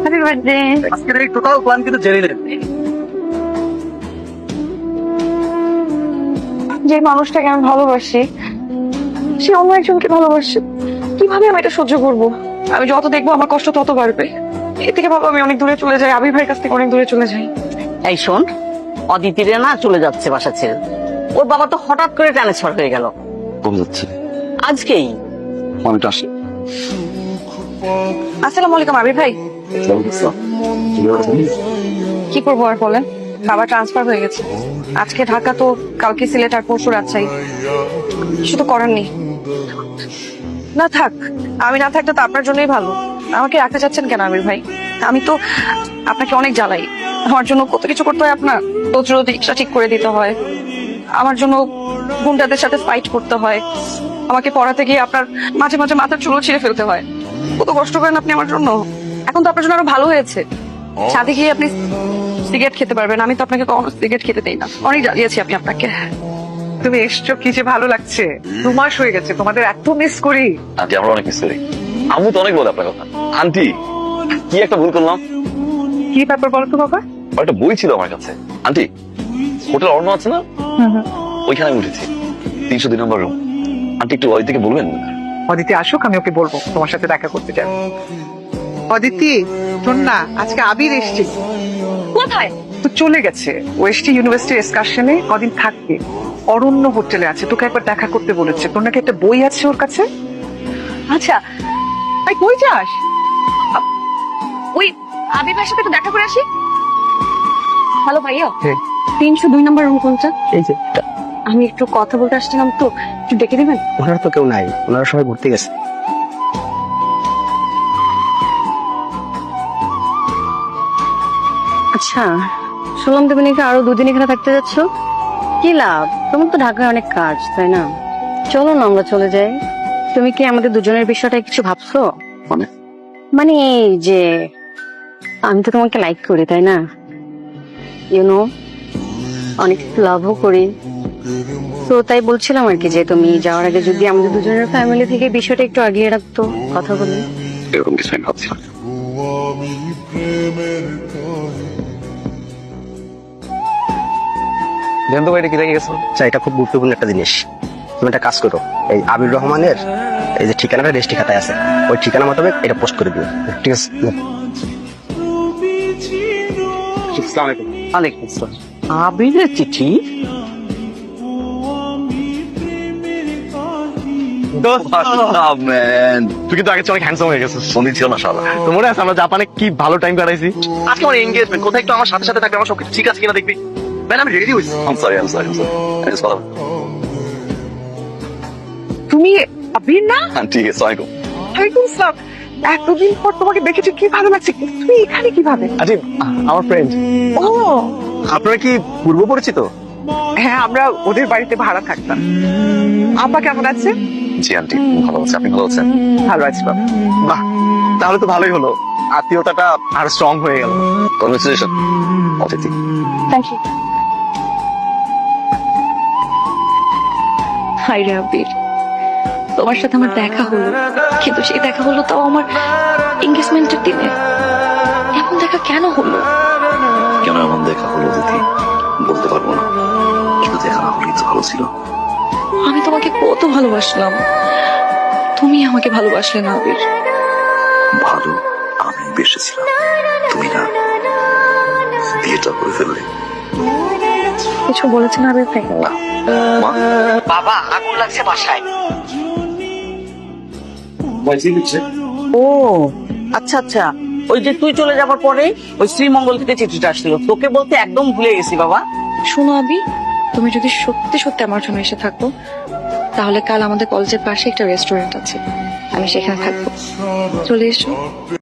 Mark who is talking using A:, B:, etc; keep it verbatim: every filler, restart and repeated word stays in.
A: Happy birthday.
B: আজকের এই total plan কিন্তু জেনে নেন।
A: যে মানুষটাকে আমি ভালোবাসি সে অন্য একজনকে ভালোবাসে, কিভাবে আমি এটা সহ্য করব? আমি যত দেখবো আমার কষ্ট তত বাড়বে। এর থেকে ভাবো আমি অনেক দূরে চলে যাই, আবির ভাইয়ের কাছ থেকে অনেক দূরে চলে যাই।
C: এই শোন, অদিতিরে না চলে যাচ্ছে বাসা ছেড়ে। ওর বাবা তো হঠাৎ করে ট্রান্সফার হয়ে গেল।
B: কবে যাচ্ছে?
C: আজকেই।
B: অনেকটা আসে।
A: আসসালামু আলাইকুম আবির ভাই। কি করবো আর বলেন, বাবা ট্রান্সফার হয়ে গেছে। আজকে ঢাকা তো কালকে সিলেট আর পরশু রাজশাহী। কিছু তো করার নেই। না থাক, আমি না থাকলে তো আপনার জন্যই ভালো। আমাকে রাখতে চাচ্ছেন কেন আমির ভাই? আমি তো আপনাকে অনেক জ্বালাই। আমার জন্য কত কিছু করতে হয় আপনার। রোজ রোজ রিক্সা ঠিক করে দিতে হয়, আমার জন্য গুন্ডাদের সাথে ফাইট করতে হয়, আমাকে পড়াতে গিয়ে আপনার মাঝে মাঝে মাথার চুলো ছিঁড়ে ফেলতে হয়। কত কষ্ট করেন আপনি আমার জন্য। এখন তো আপনার জন্য আরো ভালো হয়েছে, সাথে গিয়ে আপনি সিগারেট খেতে পারবেন। আমি তো আপনাকে কখনো সিগারেট খেতে দেই না। অনেক জ্বালিয়েছি আমি আপনাকে।
D: তুমি এসছো, কি যে ভালো লাগছে। দু মাস হয়ে গেছে, তোমাদের এত মিস করি।
E: আন্টি আমরা অনেক মিস করি। আম্মু তো অনেক বলে আপনার কথা। আন্টি কি একটা ভুল করলাম।
D: কি ব্যাপার বলো তো বাবা?
E: একটা বই ছিল আমার কাছে। আন্টি হোটেল অর্ণ আছে না, ওইখানে আমি উঠেছি। তিনশো দুই নম্বর রুম। আন্টি একটু ওই থেকে বলবেন?
D: অদিতি আসুক, আমি ওকে বলবো তোমার সাথে দেখা করতে যাবো। অদিতি শোন না, আজকে আবির এসছে।
A: কোথায়?
D: তো চলে গেছে, ও এসছে ইউনিভার্সিটি এক্সকারশনে, কদিন থাকবে। অরণ্য হোটেলে আছে, তোকে একবার দেখা করতে বলেছে। তোর নাকি একটা বই আছে ওর কাছে।
A: আচ্ছা,
D: আই কই যাস?
A: ওই আবির ভাইয়ের সাথে একটু দেখা করে আসি। হ্যালো ভাইয়া,
D: হ্যাঁ।
A: তিনশো দুই নম্বর রুম কোনটা?
B: এই যে
A: আমি একটু কথা বলতে আসছিলাম, তো একটু ডেকে দিবেন?
B: ওনারা তো কেউ নাই, ওনারা সবাই ঘুরতে গেছে।
F: আচ্ছা, শুনলাম তুমি নাকি আরো দুদিন এখানে থাকতে যাচ্ছ। কি লাভ? তোমার তো ঢাকায় অনেক কাজ, তাই না? চলো না আমরা চলে যাই। তুমি কি আমাদের দুজনের বিষয়টা কিছু ভাবছো?
E: মানে
F: মানে এই যে আমি তো তোমাকে লাইক করি, তাই না? ইউ নো, অনেক লাভও করি। তো তাই বলছিলাম আর কি যে তুমি যাওয়ার আগে যদি আমাদের দুজনের ফ্যামিলি থেকে বিষয়টা একটু আগিয়ে রাখতো, কথা বলি।
E: এরকম কিছু আমি ভাবছিলাম।
B: জানতো ভাই এটা কি লেগে গেছে? আচ্ছা, এটা খুব গুরুত্বপূর্ণ একটা জিনিস। তুমি একটা কাজ করো, এই আবির রহমানের এই যে ঠিকানাটা রেজিস্ট্রি খাতায় আছে, ওই ঠিকানা মোতাবেক এটা পোস্ট করে দিও। ঠিক আছে? আসসালামু আলাইকুম।
C: ওয়ালাইকুম আসসালাম। আবিরের চিঠি?
B: তুই কিন্তু আগে অনেক হ্যান্ডসাম হয়ে গেছিস।
E: সন্ধি ছিল না শালা।
B: তো মনে আছে আমরা জাপানে কি ভালো টাইম কাটাইছি? আজকে আমার এনগেজমেন্ট, কোথায় একটু আমার সাথে সাথে থাকবে, আমার সবকিছু ঠিক আছে কিনা দেখবি। ম্যান আমি রেডি হইছি।
E: I'm sorry, I'm sorry, I'm sorry. I just follow.
D: তুমি আবির না?
E: আন্টি আসসালামু আলাইকুম।
D: ওয়ালাইকুম আসসালাম। এতদিন পর তোমাকে দেখেছি, কি ভালো লাগছে। তুমি এখানে কিভাবে?
B: আচ্ছা, আমার ফ্রেন্ড।
D: ও
B: আপনারা কি পূর্ব পরিচিত?
D: হ্যাঁ, আমরা ওদের বাড়িতে ভাড়া থাকতাম। আপা কেমন আছে?
E: জি আন্টি ভালো আছে। আপনি ভালো আছেন?
D: ভালো আছি বাবা।
B: বাহ, তাহলে তো ভালোই হলো, আত্মীয়তাটা আরো স্ট্রং হয়ে গেল।
E: Congratulation Aditi.
A: Thank you. Hi রে আবির, তোমার সাথে আমার দেখা হলো, কিন্তু সেই দেখা হলো তাও আমার এনগেজমেন্টের দিনে। এমন দেখা কেন হলো?
E: কেন এমন দেখা হলো অদিতি বলতে পারবো না, কিন্তু দেখা না হলেই তো ভালো ছিল।
A: আমি তোমাকে কত ভালোবাসলাম, তুমি আমাকে ভালোবাসলে না আবির।
E: ভালো আমি বেসেছিলাম, তুমি না। বিয়েটা করে ফেললে।
A: কিছু বলেছেন আবির ভাই?
E: না মা,
C: বাবা আগুন লাগছে বাসায়। ও আচ্ছা আচ্ছা, ওই যে তুই চলে যাবার পরে ওই শ্রীমঙ্গল থেকে চিঠিটা আসছিল, তোকে বলতে একদম ভুলে গেছি বাবা।
A: শোনো আবি, তুমি যদি সত্যি সত্যি আমার জন্য এসে থাকো, তাহলে কাল আমাদের কলেজের পাশে একটা রেস্টুরেন্ট আছে, আমি সেখানে থাকবো। চলে এসো।